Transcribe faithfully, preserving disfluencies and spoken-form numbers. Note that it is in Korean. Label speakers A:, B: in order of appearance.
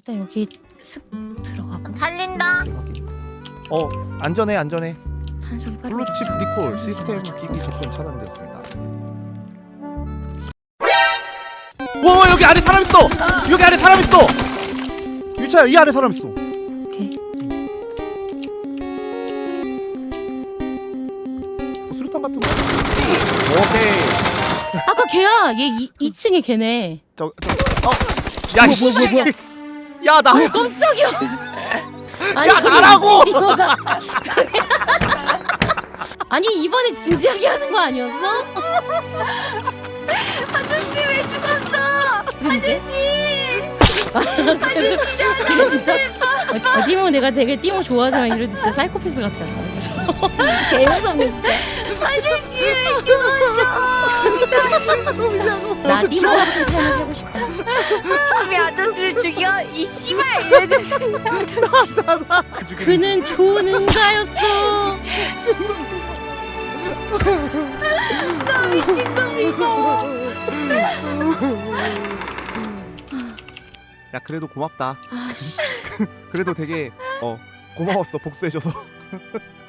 A: 일단 여기 슥 들어가고.
B: 달린다.
C: 어 안전해 안전해.
A: 저기 빨리.
C: 블루칩 리콜 시스템 기기 접근 차단되었습니다. 와 여기 아래 사람 있어. 여기 아래 사람 있어. 유차야 이 아래 사람 있어.
A: 오케이.
C: 뭐 수류탄 같은 거. 오케이.
A: 아까 걔야. 얘 이, 이 층에 걔네.
C: 저, 저, 어. 야,
A: 뭐야,
C: 씨.
A: 뭐야, 뭐야.
C: 야, 나.
A: 어, 깜짝이야. 아니,
C: 야, 나라고!
A: 이거가- 아니 이번에 진지하게 하는 거 아니었어?
B: 아저씨 왜 죽었어?
A: 아저씨. 지금 진짜 아, 띠모 내가 되게 띠모 좋아하지만 이러지 진짜 사이코패스 같아. 진짜 개 무섭네 진짜.
B: 아저씨 왜 죽었어?
A: 나 띠모 같은 삶을 살고 싶다.
B: 왜 아저씨를 죽여? 이 씨발 이래는
C: 나잖아.
A: 그는 좋은 응가였어.
C: 야, 그래도 고맙다.
A: 아씨.
C: 그래도 되게 어 고마웠어 복수해줘서.